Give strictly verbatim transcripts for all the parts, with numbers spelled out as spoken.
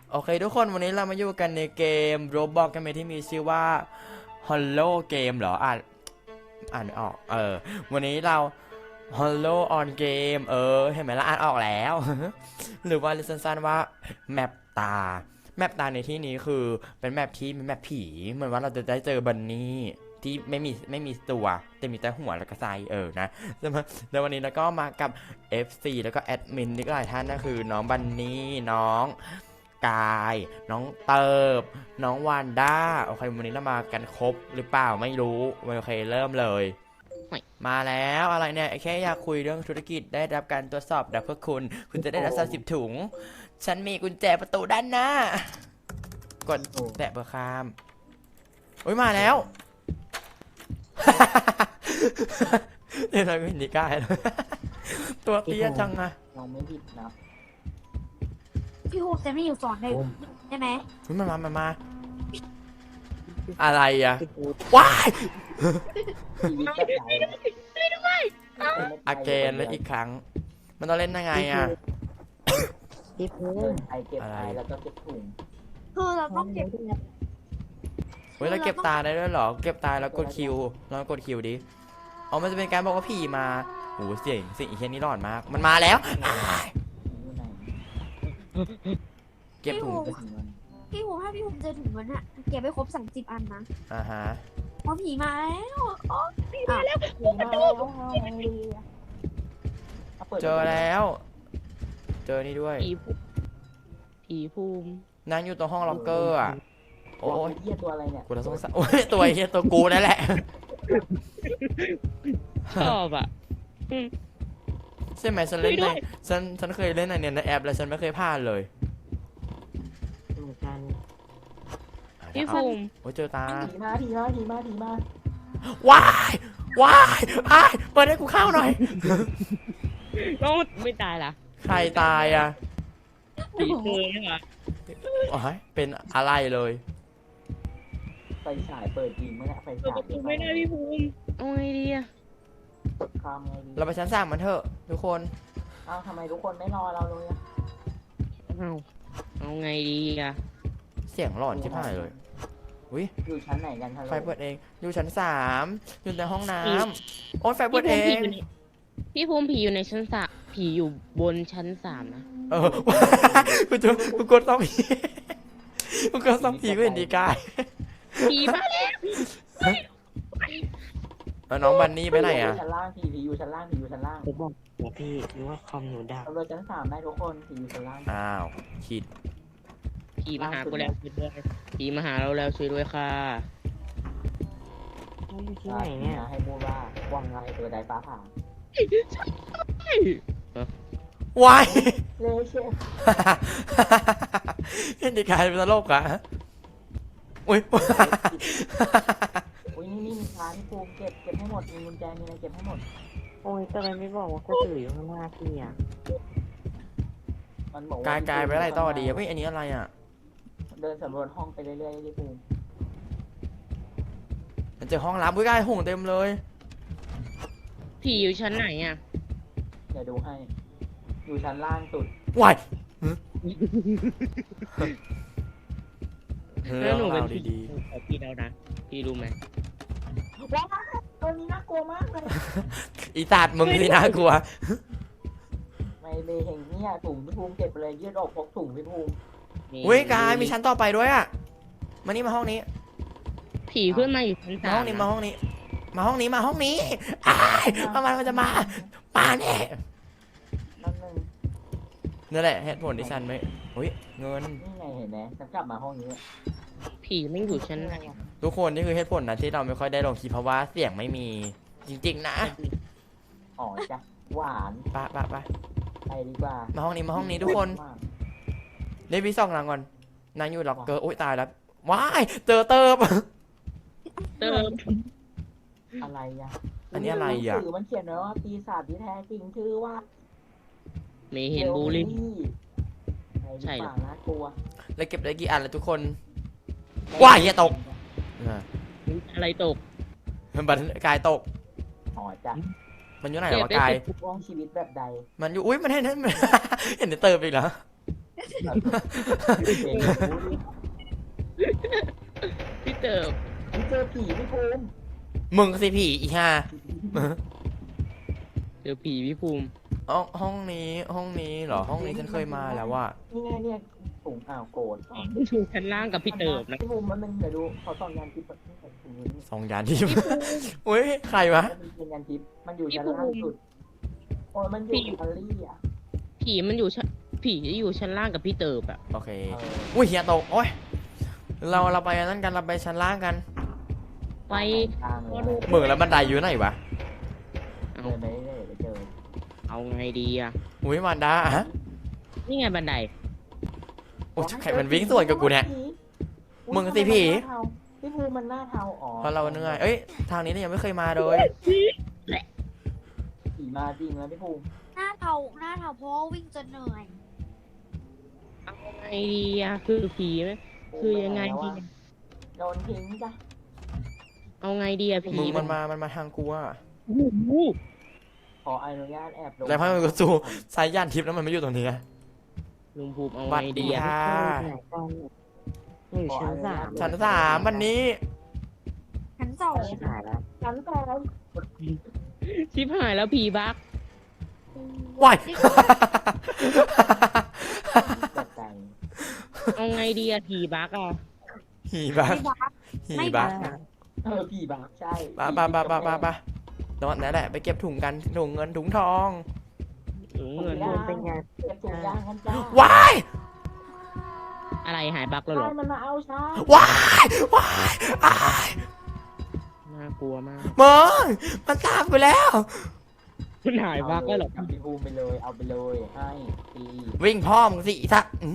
โอเคทุกคนวันนี้เรามาอยู่กันในเกม Roblox กันไหมที่มีชื่อว่า Hollow Game เหรออ่านอ่านไม่ออกเออวันนี้เรา Hollow on Game เออเห็นไหมล่ะอ่านออกแล้ว หรือว่าเรียกสั้นๆว่าแมปตาแมปตาในที่นี้คือเป็นแมปที่เป็นแมปผีเหมือนว่าเราจะได้เจอบันนี่ที่ไม่มีไม่มีตัวแต่มีแต่หัวแล้วก็ไซเออนะแล้ววันนี้เราก็มากับ เอฟ ซี แล้วก็แอดมินนี่ก็หลายท่านนะคือน้องบันนี่น้องกายน้องเติบน้องวานด้าโอเควันนี้เรามากันครบหรือเปล่าไม่รู้โอเคเริ่มเลยมาแล้วอะไรเนี่ยแค่อยากคุยเรื่องธุรกิจได้รับการตรวจสอบดับเพื่อคุณคุณจะได้รับสามสิบถุงฉันมีกุญแจประตูด้านหน้ากดแตะเพื่อข้ามโอ้ยมาแล้วเดี๋ยวเราไม่เห็นดีกายเลยตัวเตี้ยจังอะเราไม่ผิดนะพี่ฮูจะไม่อยู่สอนได้ใช่ไหมมันมามามาอะไรอะว้ายอาเกนแล้วอีกครั้งมันต้องเล่นยังไงอะพี่พูดไอเก็บไอแล้วก็เก็บถุงคือเราต้องเก็บเฮ้ยเราเก็บตาได้ด้วยเหรอเก็บตาแล้วกดคิวลองกดคิวดิอ๋อมันจะเป็นการบอกว่าผีมาโหเสียงเสียงอีเคนนี่ร้อนมากมันมาแล้วเก็บถุงพี่ฮูถ้าพี่ฮูเจอถุงเงินอะเก็บไปครบสามสิบอันนะอ่าฮะเพราะผีมาแล้วอ๋อผีมาแล้วเจอแล้วเจอนี่ด้วยผีภูมินั่งอยู่ตรงห้องล็อกเกอร์อ่ะโอ้ยเหี้ยตัวอะไรเนี่ยกูจะสงสัยโอ้ยตัวเหี้ยตัวกูนั่นแหละชอบอ่ะใช่ไหมฉันเล่นในฉันฉันเคยเล่นในเนี่ยในแอปแล้วฉันไม่เคยพลาดเลยเหมือนกันพี่ภูมิโอ้ยเจอตาผีมาผีมาผีมาผีมาว้ายว้ายอ้ายเปิดให้กูเข้าหน่อยน้องไม่ตายล่ะใครตายอ่ะผีเธอใช่ไหมอ๋อเป็นอะไรเลยไฟฉายเปิดจริงไหมเนี่ยไฟฉายไม่ได้พี่ภูมิเอาไงดีอะทำไงดีเราไปชั้นสามมันเถอะทุกคนอ้าวทำไมทุกคนไม่รอเราเลยอะเอาเอาไงดีอะเสียงหลอนชิบหายเลยอุ้ยอยู่ชั้นไหนกันไฟเปิดเองอยู่ชั้นสามอยู่ในห้องน้ำโอ้ยไฟเปิดเองพี่ภูมิผีอยู่ในชั้นสามผีอยู่บนชั้นสามนะเออกูจะกูกดต้องผีกูกดต้องผีกูเห็นดีกายผีมาแล้วน้องบันนี่ไปไหนอ่ะชั้นล่างผีผีอยู่ชั้นล่างผีอยู่ชั้นล่างผมบอกว่าพี่หรือว่าคอมหนูดับเราชั้นสามได้ทุกคนผีอยู่ชั้นล่างอ้าวคิดผีมาหากูแล้วช่วยด้วยผีมาหาเราแล้วช่วยด้วยค่ะอยู่ที่ไหนเนี่ยให้พูดว่าว่างไงตัวใดฟ้าผ่าวายเลเชฟเห็นดีกายเป็นตลกอ่ะอุ้ยอุ้ยนี่นี่มีร้านที่ภูมิเก็บเก็บให้หมดมีกุญแจมีอะไรเก็บให้หมดโอ้ยทำไมไม่บอกว่าก็ถืออยู่ข้างหน้าพี่อ่ะมันบอกกายกายไปอะไรต่อดีไม่อันนี้อะไรอ่ะเดินสำรวจห้องไปเรื่อยๆที่ภูมิมันเจอห้องลับอุ้ยกายหงเต็มเลยผีอยู่ชั้นไหนอ่ะเดี๋ยวดูให้อยู่ชั้นล่างสุดวายแล้วหนูเป็นดีๆพี่แล้วนะพี่รู้ไหมว้าวตัวนี้น่ากลัวมากเลยอีตาดมึงนี่น่ากลัวไม่เลยเห็นเนี่ยถุงพี่ภูมิเก็บไปเลยยืดออกพกถุงพี่ภูมิเว้ยกายมีชั้นต่อไปด้วยอ่ะมานี่มาห้องนี้ผีขึ้นมาอยู่ชั้นสามห้องนี้มาห้องนี้มาห้องนี้มาห้องนี้อ้ายประมาณมันจะมามาแน่นั่นนึงนั่นแหละเหตุผลที่ฉันไม่เฮ้ยเงินนี่ไงเห็นไหมฉันกลับมาห้องนี้ผีไม่อยู่ชั้นไหนทุกคนนี่คือเหตุผลนะที่เราไม่ค่อยได้ลงคลิปเพราะว่าเสียงไม่มีจริงๆนะอ๋อจ้ะหวานปะปะปะไปดีกว่ามาห้องนี้มาห้องนี้ทุกคนเดวิสซองนางก่อนนางอยู่ล็อกเกอร์โอ๊ยตายแล้วว้ายเจอเติบเติบอะไรอ่ะอันนี้อะไรอ่ะสื่อมันเขียนไว้ว่าปีศาจที่แท้จริงชื่อว่าเมเห็นบูลลี่ใช่หรอน่ากลัวแล้วเก็บได้กี่อันแล้วทุกคนว้ายอย่าตกอะไรตกมันบันกายตกอ๋อจ้ะมันอยู่ไหนหรอกายว่องชีวิตแบบใดมันอยู่อุ้ยมันเห็นเห็นเห็นเติบอีกเหรอเก่งรู้ดิพี่เติบพี่เจอผีพี่ภูมิมึงสิผีอีห่าเจอผีพี่ภูมิห้องห้องนี้ห้องนี้เหรอห้องนี้ฉันเคยมาแล้วว่านี่ไงเนี่ยถุงอ่าวโกรธอยู่ชั้นล่างกับพี่เติบนะพี่ภูมิมันเป็นเดี๋ยวดูเขาส่องยันทิพย์ที่ใส่ถุงนี้สองยานที่ อุ้ยใครวะมันเป็นยันทิพย์มันอยู่ชั้นล่างสุดโอ้ยมันอยู่อิตาลีอ่ะผีมันอยู่ชั้นผีอยู่ชั้นล่างกับพี่เติบอะโอเคเอออุ้ยเฮียตกโอ้ยเราเราไปนั่นกันเราไปชั้นล่างกันไปทางเลยมึงแล้วบันไดอยู่ไหนวะเอาเดินไปเรื่อยๆไปเจอเอาไงดีอะอุ้ยมันดาอะนี่ไงบันไดโอ้ยใครมันวิ่งสวนกับกูเนี่ย มึงสิผีพี่ภูมิมันหน้าเทาอ๋อเพราะเราเหนื่อยเอ้ยทางนี้เนี่ยยังไม่เคยมาเลยผีมาจริงแล้วพี่ภูมิหน้าเทาหน้าเทาเพราะว่าวิ่งจนเหนื่อยเอาไงดีอะคือผีไหมคือยังไงดีโดนทิ้งจ้ะเอาไงดีอะผีมึงมันมามันมาทางกูอะโอ้โหขออนุญาตแอบลงแล้วพอมันก็สู้สายยานทิพย์แล้วมันไม่อยู่ตรงนี้อะลุงภูมิเอาบัไงดดีดีอะค่ะอยู่ชั้นสามชั้นสามวันนี้ชั้นสองชิบหายแล้วชั้นสองชิบหายแล้วผีบักว้ายเจ็บใจเอาไงดีอะผีบักอะหีบักไม่บักหีไม่บับักกเออผีบ้าใช่ปะปะปะปะปะปะตอนนั้นแหละไปเก็บถุงกันถุงเงินถุงทองถุงเงินภูมิเป็นไงเก็บถุงยางกันจ้าว้ายอะไรหายบักแล้วเหรใช่อมันมาเอาช้าว้ายว้ายอ้ายน่ากลัวมากมึงมันตามไปแล้วมันหายบักแล้วเหรอกับพี่ภูมิไปเลยเอาไปเลยให้ตีวิ่งพ่อมึงสิอีสักอื้อ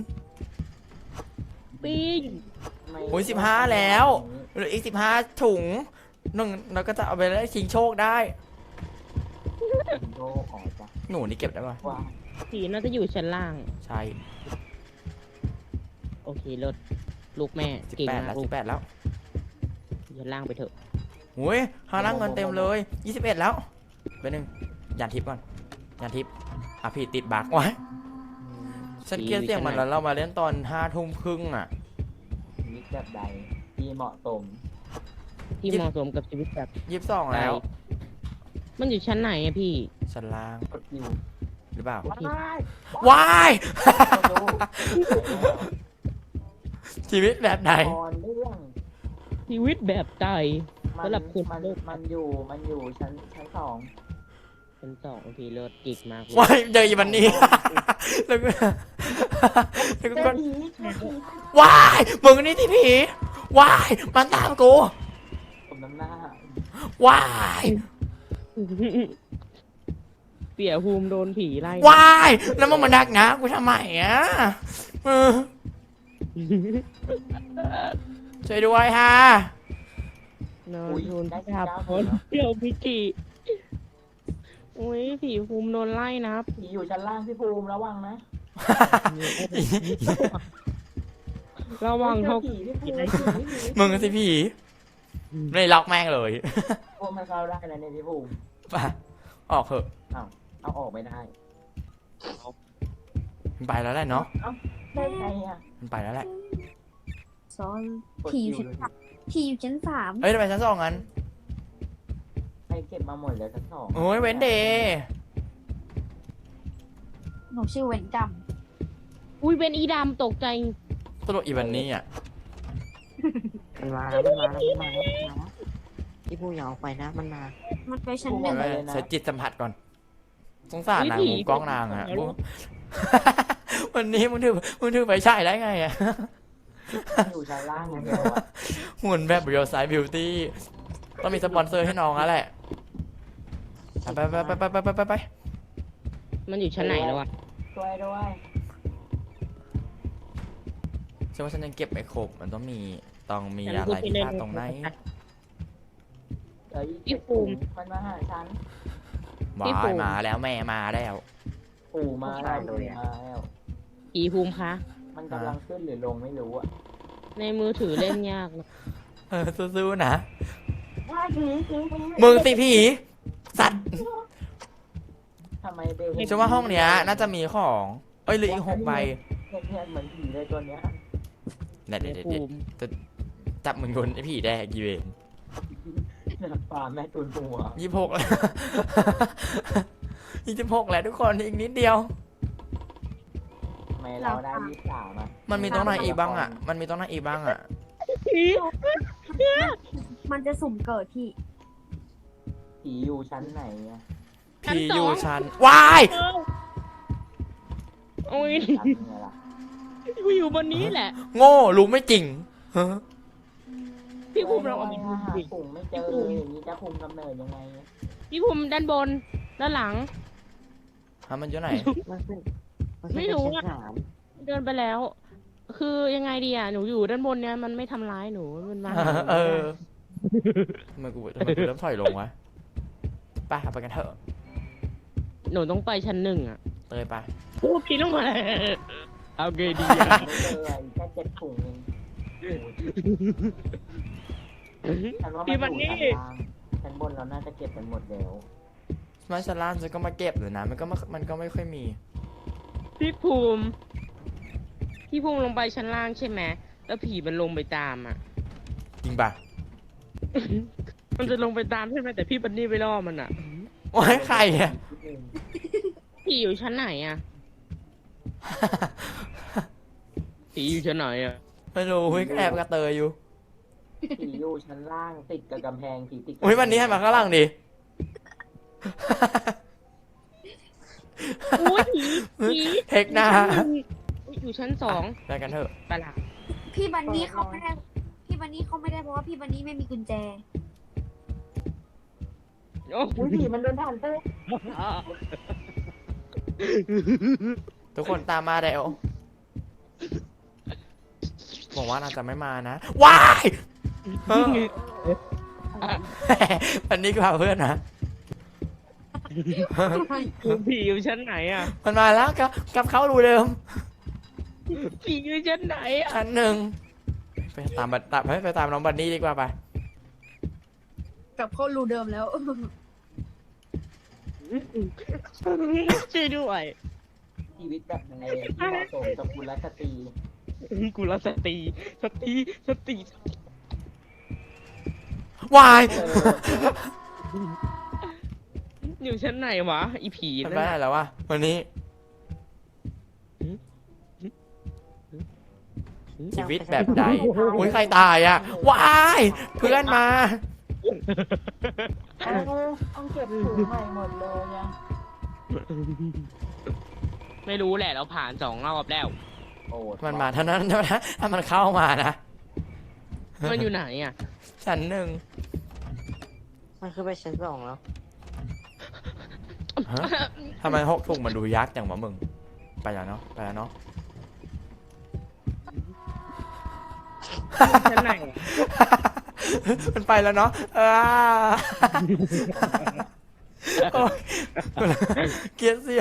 ปิ้งไม่โอ้ยสิบห้าแล้วเหลืออีกสิบห้าถุงหนึ่งเราก็จะเอาไปได้ชิงโชคได้โลออกจ้ะหนูนี่เก็บได้ปะว่าผีน่าจะอยู่ชั้นล่างใช่โอเคเลิศลูกแม่สิบเก่งแปดมาแล้กวลูสิกบแปดแล้วชั้นล่างไปเถอะโอ้ยหาล่างเงินเต็มเลยยี่สิบเอ็ดแล้วไปหนึ่งยานทิพย์ก่อนยานทิพย์อ่ะพี่ติดบักไว้ฉันเกลียดเสียงมันแล้วเรามาเล่นตอนห้าทุ่มครึ่งอ่ะชีวิตแบบใดที่เหมาะสมที่เหมาะสมกับชีวิตแบบยี่สิบสองแล้วมันอยู่ชั้นไหนอะพี่ชั้นล่างกดคิวหรือเปล่าว้ายว้ายไม่รู้ชีวิตแบบไหนตอนเรื่องชีวิตแบบไตมันสำหรับคุณมันลูกมันอยู่มันอยู่ชั้นชั้นสองชั้นสองโอเคเลิศเก่งมากลูกว้ายเจออีวันนี้ แล้วก็แล้วเจก็อผีเจอผีว้ายมึงนี่ที่ผีว้ายมันตามกูผมน้ำหน้าว้ายเสียภูมิโดนผีไล่ว้ายแล้วมึงมาดักนะกูทำไมอ่ะเออช่วยด้วยฮะนอนอุ้ยโดนได้สิบจับเก้าคนเดียวพิจิอุ้ยผีภูมิโดนไล่นะผีอยู่ชั้นล่างพี่ภูมิระวังนะระวังเจเขาอผีพี่ภูมิผีผีมึงสิผีไม่ล็อกแม่งเลยโอ้มันเข้าได้แล้วเนี่ยพี่ภูมิไปออกเถอะเอาออกไม่ได้มันไปแล้วแหละเนาะได้ไงอ่ะมันไปแล้วแหละซอยกดผีอยู่คิวชั้นเลยสามผีอยู่ชั้นสามเอ้ยทำไมชั้นสองงั้นใครเก็บมาหมดแล้วชั้นสองโอ้ยเว้นเดย์หนูชื่อเวนกรรมอุ้ยเป็นอีดำตกใจตลกอีวันนี้อ่ะมันมาแล้วมันมาแล้วมันมาแล้วมันมาแล้วที่ภูมิอย่าออกไปนะมันมามันไปชั้นหนึ่งใช้จิตสัมผัสก่อนสงสารนางมุมกล้องนางอ่ะ วันนี้มึงถือมึงถือไปใช่ได้ไงอ่ะอยู่ชั้นล่างอย่างเดียวอะหุ่นแบบเรียลไซส์บิวตี้ต้องมีสปอนเซอร์ให้น้องแล้วแหละไปไปไปไปไปไปไปไปมันอยู่ชั้นไหนแล้วอะช่วยด้วยฉันว่าฉันยังเก็บไม่ครบมันต้องมีต้องมีอะไรที่พลาดตรงไหนเดี๋ยวอีกเจ็ดถุงมันมาหาฉันวายมาแล้วแม่มาแล้วปู่มาแล้วปู่มาแล้วผีภูมิคะมันกำลังขึ้นหรือลงไม่รู้อ่ะในมือถือเล่นยากนะเออสู้ๆนะว่าผีผีผีมึงสิผีสัตว์ทำไมเบลเห็นฉันว่าห้องเนี้ยน่าจะมีของเอ้ยเหลืออีกหกใบเห็เนี่ยเหมือนผีเลยตัวเนี้ยเด็ดเด็ดเด็ดภูเด็ดมิจับเหมือนคนไอ้ผีแดกยีเวนนักปลาแม่ตุนหัวยี่สิบหกแล้ว ยี่สิบหกแล้วทุกคนอีกนิดเดียวทำไมเราได้ยี่สิบสามอ่ะมันมีตรงไหนอีกบ้างอ่ะ มันมีตรงไหนอีกบ้างอ่ะผีมันจะสุ่มเกิดพี่ผีอยู่ชั้นไหนอ่ะผีอยู่ชั้นวายโอ้ยชั้นไงล่ะกูอยู่บนนี้แหละโง่รู้ไม่จริงฮะพี่ภูมิเราเอาไปดูหาดิปุ่มไม่เจอเลยอย่างนี้จะคุมกำเนิดยังไงพี่ภูมิด้านบน ด้านหลังฮะมันอยู่ไหนมันขึ้นนขึ้นไม่รู้ปอะชั้นสามเดินไปแล้ว คือยังไงดีอ่ะ หนูอยู่ด้านบนเนี้ยมันไม่ทำร้ายหนู มันมาหาหนูเอไม่อได้ทำไมกูทำไมกูเริ่มถอยลงวะไปไปกันเถอะหนูต้องไปชั้นหนึ่งอ่ะเตยไปพูดพี่ลงมาเลยเอาไงดีไม่อ่ะเจออีกแค่เจ็ดถุงเองฉันว่าพี่มัมัน นอยู่นี่ชั้นล่างชั้นบนเราน่าจะเก็บกันหมดแล้วมาชาลานฉันก็มาเก็บเลยนะ มันก็ไม่มันก็ไม่ค่อยมีพี่ภูมิ พี่ภูมิลงไปชั้นล่างใช่ไหม แล้วผีมันลงไปตามอ่ะจริงปะมันจะลงไปตามใช่ไหมแต่พี่บันนี่ไปล่อมันอ่ะโอ้ยใครอ่ะผีอยู่ชั้นไหนอ่ะ ผีอยู่ชั้นไหนอ่ะไม่รู้เฮ้ยก็แอบกระเตยอยู่ผีอยู่ชั้นล่างติดกับกำแพงผีติดกับอุ้ยวันนี้ให้มาข้างล่างดิอุ้ยผีผีเทคหน้าอุ๊ยอยู่ชั้นสองไปกันเถอะไปละพี่บันนี่เขาไม่ได้ พี่บันนี่เขาไม่ได้เพราะว่าพี่บันนี่ไม่มีกุญแจโอ้อุ้ยผีมันเดินผ่านเต้ทุกคนตามมาเดี๋ยวบอกว่าน่าจะไม่มานะว้ายเออวันนี้ก็พาเพื่อนนะผีอยู่ชั้นไหนอ่ะมันมาแล้วกลับกลับเข้ารูเดิมผีอยู่ชั้นไหนอ่ะชั้นหนึ่งไปตามบัตตามไปไปตามน้องบันนี่ดีกว่าไปกลับเข้ารูเดิมแล้วช่วยด้วยชีวิตแบบไหนที่เหมาะสมกับกุลสตรีกูรักสติสติสติวายเอออยู่ชั้นไหนวะอีผีมันนั่ไปนไหนน่ะแล้ววะวันนี้ชีวิตแบบใดอุ้ยใครตายอ่ะว้ายเพื่อนมาเอาต้องเก็บถุงใหม่หมดเลยไงไม่รู้แหละเราผ่านสองรอบแล้วโอ้มันมาเท่านั้นเท่านั้นถ้ามันเข้ามานะมันอยู่ไหนอ่ะชั้นหนึ่งมันขึ้นไปชั้นสองแล้วฮะทำไมหกถุงมันดูยักษ์อย่างวะมึงไปแล้วเนาะไปแล้วเนาะชั้นไหนอะมันไปแล้วเนาะเออโอ๊ยเกลียดเสีย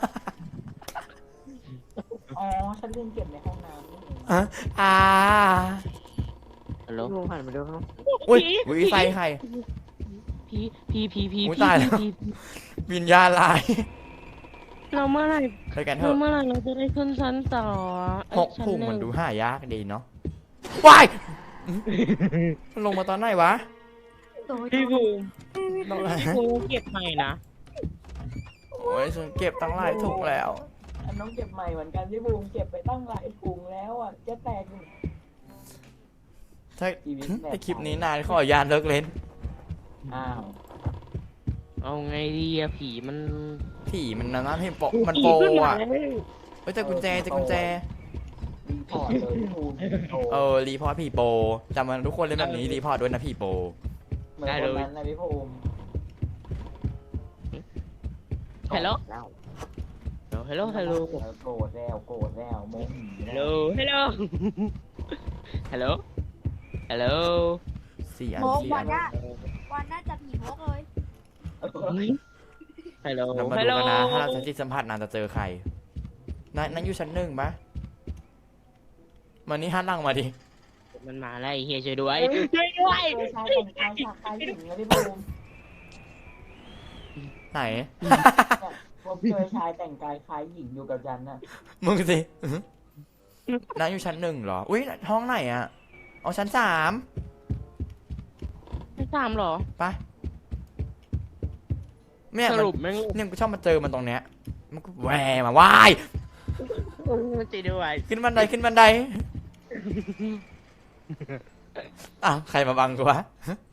อ๋อฉันลืมเก็บในห้องน้ำนี่เองอ่ะอ่าฮัลโหลพี่ภูมิหันมาดูข้างอุ้ยอุ้ยไฟใครผีผีผีผีอุ๊ยผีตายแล้วผีวิญญาณลายเราเมื่อไหร่ไปกันเถเราอะเมื่อไหร่เราจะได้ขึ้นชั้นต่อเอ้ยหกชั้นถุงหนึ่มันดูหายากดีเนาะวายมันลงมาตอนไหนวะพี่ภูมิตรงไหนพี่ภูมิเก็บใหม่นะโอ้ยฉันเก็บตั้งหลายถุงแล้วอันน้องเก็บใหม่เหมือนกันพี่บูมเก็บไปตั้งหลายถุงแล้วอ่ะจะแตกถ้าชีวิตแบบถ้าคลิปนี้นานขออนุญาตเลิกเล่นอ้าวเอาไงดีอะผีมันผีมันนั่นให้โปะมันผีโปขึ้นมาอ่ะแล้วเฮ้ยแต่กุญแจแต่กุญแจรีพอร์ตเลยพี่บูมโอ้เออรีพอร์ตผีโปจำมันทุกคนเล่นแบบนี้รีพอร์ตด้วยนะผีโปเหมือนคนนั้นนะพี่บูมฮัลโหลแล้วฮัลโหลฮัลโหลโกรธแล้วโกรธแล้วโมโหฮัลโหลฮัลโหลฮัลโหลฮัลโหลสี่อันโมกสี่วัอันนน่ะวันน่าจะผีโมกเลยฮัลโหลเรามาฮัลดูโหลกันนะถ้าเราใช้จิตสัมผัสนานจะเจอใครนั่นนั่นอยู่ชั้นหนึ่งปะมันนี่หันหลังมาดิมันมาแล้วไอ้เฮียช่วยด้วยช่วยด้วยเจอชายแต่งกายฉากคล้ายหญิงนะพี่บูมไหนผมเจอชายแต่งกายคล้ายหญิงอยู่กับฉันน่ะมึงสิอื้อหือน้าอยู่ชั้นหนึ่งเหรอ อุ้ยห้องไหนอะเอาชั้นสามไม่ตามเหรอไปเนี่ยสมันรุปแม่งเนี่ยกูชอบมาเจอมันตรงเนี้ย มันก็แหวมาว่ายมันจะด้วยขึ้นบันไดขึ้นบันได อ้าวใครมาบังกูวะ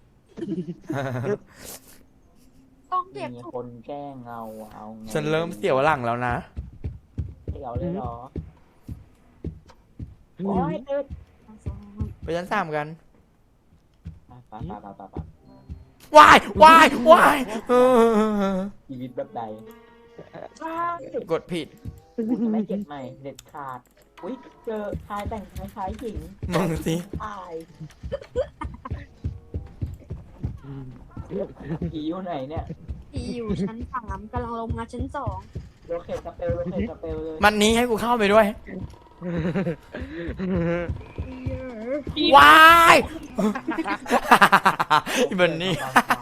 ต้องเก็บมีถุงคนแกล้งเอาเอาไงฉันเริ่มเสียวหลังแล้วนะเสียวเลยเหรอโอ้ยติดไปชั้นสามกันไปไปไปไปไปว้ายว้ายว้ายเออชีวิตแบบใดกดผิดกูจะไม่เก็บใหม่ เด็ดขาด อุ้ยเจอชายแต่งคล้ายๆหญิงมึงสิตายผีอยู่ไหนเนี่ยที่อยู่ชั้นสามกำลังลงมาชั้นสองโลเคตสเปลโลเคตสเปลเลยมันนี้ให้กูเข้าไปด้วย ว้ายอีบันนี่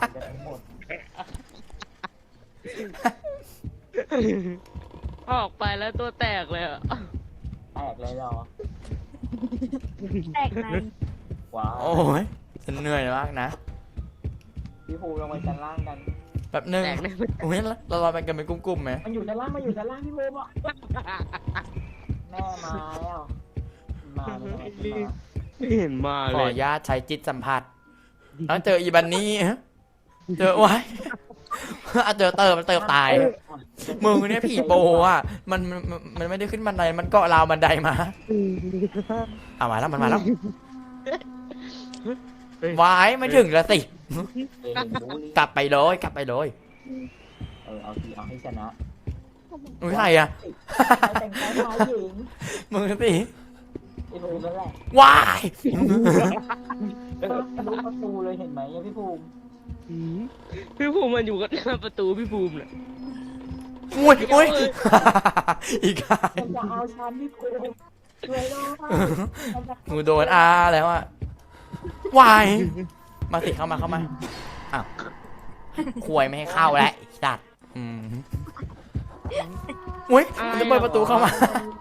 ออกไปแล้วตัวแตกเลยอะแตกเลยเหรอแตกในว้าวโอ้ยฉันเหนื่อยมากนะพี่ภูลงไปชั้นล่างกันแบบหนึ่งแตกในโอ้ยเราเราไปกันเป็นกลุ่มๆไหมมันอยู่ชั้นล่างมาอยู่ชั้นล่างพี่ภูบอกแม่มาแล้ว มาเลยมาไม่เห็นมาขเลอย อนุญาตใช้จิตสัมผัสแล้วเจออีบันนี่ เจอไว้ อ่ะเจอเติมมันเติมตาย มึงเนี่ยผีโปอ่ะมันมันมันมันไม่ได้ขึ้นบันไดมันเกาะราวบันไดมาเอามาแล้วมันมาแล้ววายไม่ถึงแล้วสิเองบูลลี่กลับไปเลยกลับไปเลยเออเอาทีเอาให้ชนะมึงใครอ่ะใครแต่งกายคล้ายหญิงมึงสิไอ้ภูมินั่นแหละวายทะลุประตูเลยเห็นไหมเนี่ยพี่ภูมิพี่ภูมิมันอยู่กับหน้าประตูพี่ภูมิน่ะอุ้ยอุ้ยอีกอ่ะมันจะเอาฉันพี่ภูมิช่วยด้วยมันจะมึงโดนอาแล้วอ่ะวายมาสิเข้ามาเข้ามาอ้าวควยไม่ให้เข้าแล้วจัดอืมอุ้ยมันจะเปิดประตูเข้ามา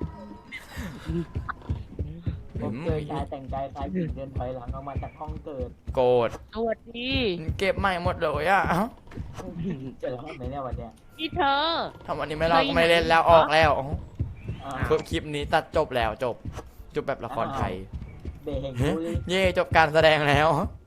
ผมเจอชายแต่งกายคล้ายหญิงเดินถอยหลังออกมาจากห้องเกิดโกรธสวัสดีเก็บใหม่หมดเลยอ่ะเอ้าเจอแล้วไหมเนี่ยวันเนี้ยพี่เธอทำวันนี้ไม่เราก็ไม่เล่นแล้วออกแล้วอ่าเพิ่มคลิปนี้ตัดจบแล้วจบ จบแบบละครไทยเบงบูลลี่เย่จบการแสดงแล้ว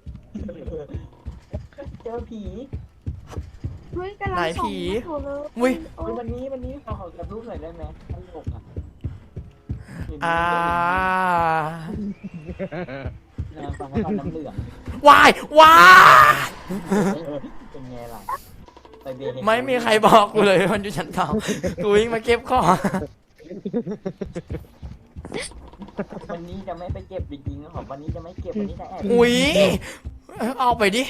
เจอผีเฮ้ยกำลังไหนส่องผีอยู่เลยอุ้ยโอ้ยวันนี้วันนี้ขอขอกับรูปหน่อยได้ไหมตลกอ่ะเห็นอ่านางฟังแล้วน้ำเหลืองวายวายเป็นไงล่ะไปเบงไม่มีใครบอกกูเลยมันอยู่ชั้นสองกูวิ่งมาเก็บของวันนี้จะไม่ไปเก็บจริงๆครับวันนี้จะไม่เก็บวันนี้จะแอบอุ้ยเอาไปดิ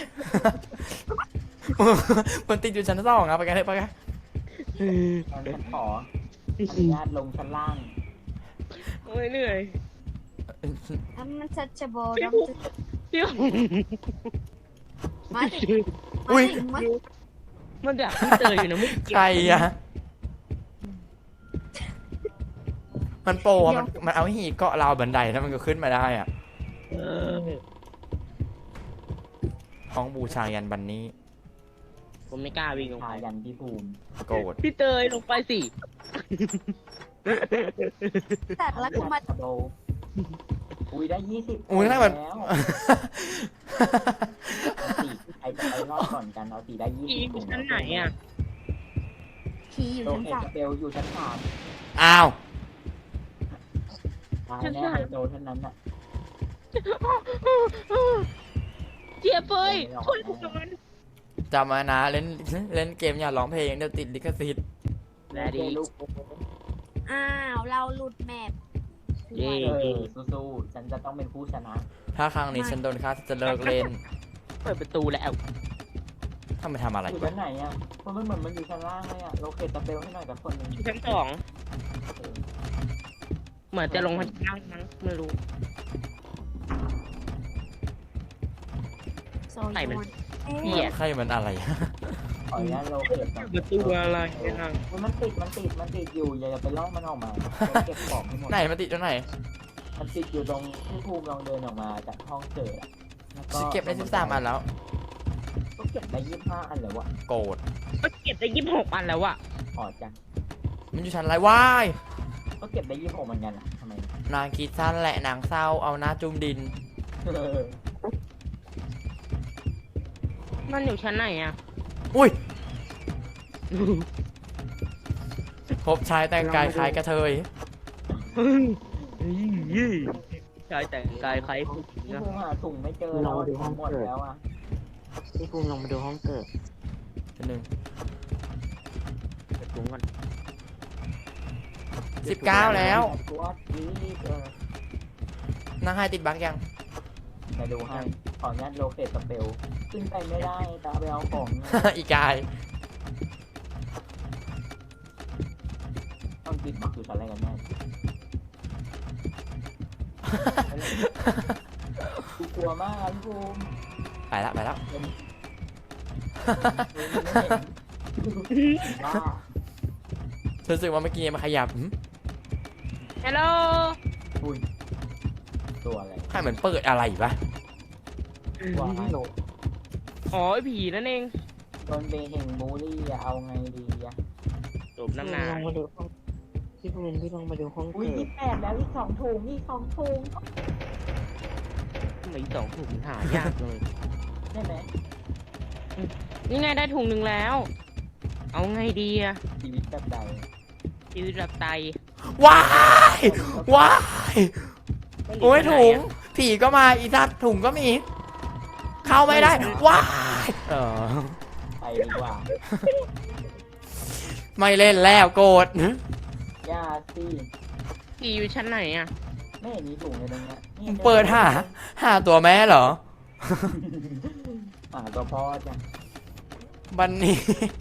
มันติดอยู่ชั้นสองอะไปกันเลยไปกันงั้นฉันขออนุญาตลงชั้นล่างโอ้ยเหนื่อยอันมันชัดจะโบพี่ดังภูมิพี่ภูมิมาสิมาอุ้ยสิมามันดักพี่เตยอยู่นะไม่ใครอะมันโปรอะมันมันเอาหีเกาะราวบันไดแล้วมันก็ขึ้นมาได้อะเออห้องบูชายันบันนี้ผมไม่กล้าวิ่งลงพาไปยันพี่ภูมิโกรธพี่เตยลงไปสิแต่แล้วกูมาโดอุ้ยได้ยี่สิบอุ้ยนั่นมันแล้วเอาสี่ใครจะไปรอดก่อนกันเอาสี่ได้ยี่พี่สิบอยู่ชั้นไหนอ่ะผีอยู่โลชั้นเคสามสเปลอยู่ชั้นสามอ้าวตายแน่ไฮโดเท่านั้นน่ะเจี๊ยบเฟยช่วยผมหน่อยจำมานะเล่นเล่นเกมอย่าร้องเพลงเดี๋ยวติดลิขสิทธิ์แลดีลูกอ้าวเราหลุดแมปเย่เออสู้ๆฉันจะต้องเป็นผู้ชนะถ้าครั้งนี้ฉันโดนฆ่าฉันจะเลิกเล่นเปิดประตูแล้วทำไมทำอะไรอยู่วะชั้นไหนอ่ะเพราะมันเหมือนมันอยู่ชั้นล่างเลยอ่ะโลเคสสเปลให้หน่อยกับคนหนึงอยู่ชั้นสองเหมือนจะลงพันล่างมั้งไม่รู้โซไหนมันนเอ๊ะเหี้ยใครมันอะไรขออนุญาตโลเคสก่อนประตูอะไรเนี่ยมันติดมันติดมันติดอยู่อย่าไปล่อมันออกมาเก็บของให้หมดไหนมันติดตรงไหนมันติดอยู่ตรงพี่ภูมิลองเดินออกมาจากห้องเจออะแล้วฉันเก็บได้สิบสามอันแล้วก็เก็บได้ยี่สิบห้าอันเลยวะโกรธก็เก็บได้ยี่สิบหกอันแล้วอะอ๋อจังมันอยู่ชั้นไรวายก็เก็บได้ยี่สิบหกเหมือนกันอ่ะทำไมนางคิดสั้นแหละนางเศร้าเอาหน้าจุ่มดินมันอยู่ชั้นไหนอะอุ้ยพบชายแต่งกายคล้ายกระเทยชายแต่งกายคล้ายผู้หญิงพี่นะภูมิหาถุงไม่เจอแล้วถุงหมดแล้วอ่ะพี่ภูมิลงมาดูห้องเกิดชั้นหนึ่งเปิดถุงก่อนสิบเก้าแล้วกูว่าดีเออนางให้ติดบั๊กยังมาดูให้ขออนุญาตโลเคตสเปลขึ้นไปไม่ได้ตาไปเอาของเนี่ยอีกายต้องติดบักอยู่ชั้นอะไรกันแน่กูกลัวมากพี่ภูมิไปแล้วไปแล้วบ้ารู้สึกว่าเมื่อกี้มันขยับหืมฮัลโหลอุ้ยตัวอะไรให้เหมือนเปิดอะไรปะว่าไม่โหลอ๋อไอผีนั่นเองโดนเบเฮงบูลลี่อะเอาไงดีอะจบน้ำหนาลงมาดูห้องพี่ภูมิพี่ลงมาดูห้องอุ้ยเกิดยี่สิบแปดแล้วอีกสองถุงอีกสองถุงทำไมสองถุงหายากเลยใช่ไหมนี่ไงได้ถุงหนึ่งแล้ว เอาไงดีอะชีวิตแบบใดชีวิตแบบไตว้ายว้ายโอ้ยถุงผีก็มาอีสัตว์ถุงก็มี เข้าไม่ได้ว้ายเออไปดีกว่าไม่เล่นแล้วโกรธย่าสิผีอยู่ชั้นไหนอะไม่เห็นมีถุงเลยตรงเนี้ยนี่เปิดหาหาตัวแม่เหรอหาตัวพ่อจ้ะวันนี้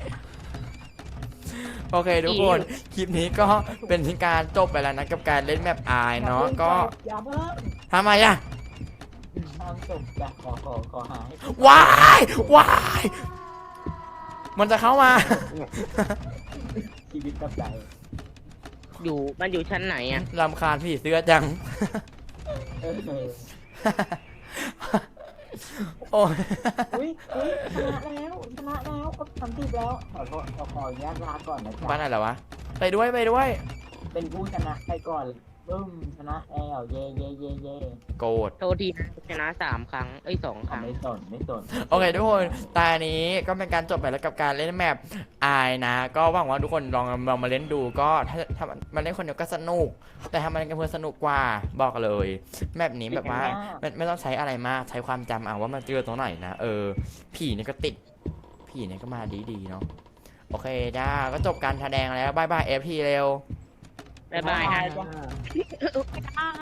โอเคทุกคน คลิปนี้ก็เป็นการจบไปแล้วนะกับการเล่นแมปอายเนาะก็อย่าเพิ่งทำไมอะทำจบจ้ะขอขอขอหาให้ว้ายว้ายมันจะเข้ามาชีวิตแบบใดอยู่มันอยู่ชั้นไหนอะลำคาญผีเสื้อจังเออโอ้ยอุ้ยอุ้ยชนะแล้วชนะแล้วก็ทำติดแล้วขอโทษขอขออนุญาตลาก่อนนะบ้านจ๊ะไหนเหรอวะ ไปด้วยไปด้วยเป็นผู้ชนะไปก่อนบึ้มชนะแล้วเย่เย่เย่เย่โกรธโทษทีนะชนะสามครั้งเอ้ยสองคอ่ะรั้งไม่สนไม่สนโอเคทุกคนตานี้ก็เป็นการจบไปแล้วกับการเล่นแมปอายนะ ก็หวังว่าทุกคนลองลองมาเล่นดูก็ถ้าถ้ามันเล่นคนเดียวก็สนุก แต่ถ้ามันกันเพื่อนสนุกกว่าบอกเลยแมปนี้แบบว่าไม่ไม่ต้องใช้อะไรมากใช้ความจำเอาว่ามันเจอตรงไหนนะเออผีนี่ก็ติดผีนี่ก็มาดีๆเนาะโอเคจ้าก็จบการแสดงแล้วบายบายเอฟพีเร็วบ๊ายบายฮะจ้ะ